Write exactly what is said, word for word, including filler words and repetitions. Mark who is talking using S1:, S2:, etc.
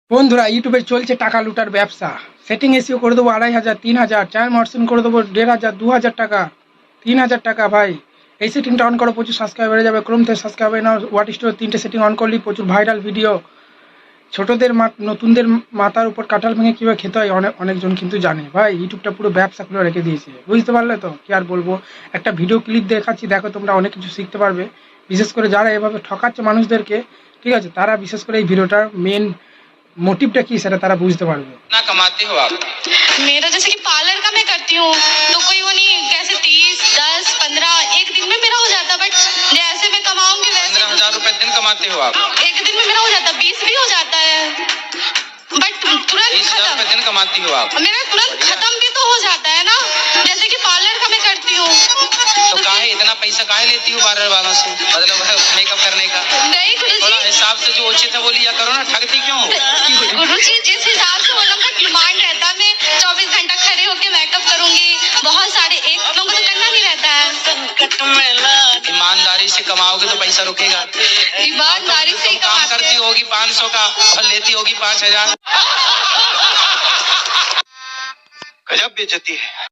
S1: বন্ধুরা ইউটিউবে চলছে টাকা লুটার ব্যবসা। সেটিং এসিও করে দেবো আড়াই হাজার, তিন হাজার, চ্যানেল মর্সন করে দেবো দেড় হাজার, দু হাজার টাকা, তিন হাজার টাকা। ভাই এই সেটিংটা অন করো, প্রচুর সাবস্ক্রাইব বেড়ে যাবে। ক্রোম থেকে সাবস্ক্রাইব নাও, হোয়াট স্টোর তিনটে সেটিং অন করলি প্রচুর ভাইরাল ভিডিও। ছোটদের নতুনদের মাথার উপর কাঁঠাল ভেঙে কীভাবে খেতে হয় অনেক অনেকজন কিন্তু জানে। ভাই ইউটিউবটা পুরো ব্যবসা খুলে রেখে দিয়েছে, বুঝতে পারলে তো? কি আর বলবো, একটা ভিডিও ক্লিপ দেখাচ্ছি, দেখো তোমরা অনেক কিছু শিখতে পারবে। বিশেষ করে যারা এভাবে ঠকাচ্ছে মানুষদেরকে, ঠিক আছে, তারা বিশেষ করে এই ভিডিওটার মেন मोटिवটা কি সেটা তারা বুঝতে পারবে।
S2: ना कमाते हो आप?
S3: मेरा जैसे कि पार्लर का मैं करती हूँ तो कोई वो नहीं कैसे तीस दस पंद्रह एक दिन में मेरा हो जाता, बट जैसे मैं कमाऊंगी वैसे
S2: पंद्रह हजार रूपए दिन कमाते हो आप?
S3: एक दिन में मेरा हो जाता, बीस भी हो जाता है, बट तुरंत
S2: बीस हजार
S3: खत्म।
S2: रूपए दिन कमाती हो आप?
S3: मेरा तुरंत खत्म भी तो हो जाता है ना, जैसे कि पार्लर का मैं करती हूँ।
S2: तो काहे इतना पैसा काहे लेती हो पार्लर वालों से, मतलब मेकअप करने का?
S3: नहीं गुरु
S2: थोड़ा
S3: जी,
S2: हिसाब से जो उचित है वो लिया करो ना, ठगती क्यों?
S3: गुरु जी जिस हिसाब से वो लोग का डिमांड रहता है, मैं चौबीस घंटा खड़े होकर मेकअप करूंगी, बहुत सारे एक लोगों को तो करना नहीं रहता है।
S2: ईमानदारी से कमाओगे तो पैसा रुकेगा।
S3: ईमानदारी से ही
S2: काम
S3: कमाते
S2: करती
S3: हैं।
S2: होगी पाँच सौ का और लेती होगी पाँच हजार। गजब बेइज्जती है।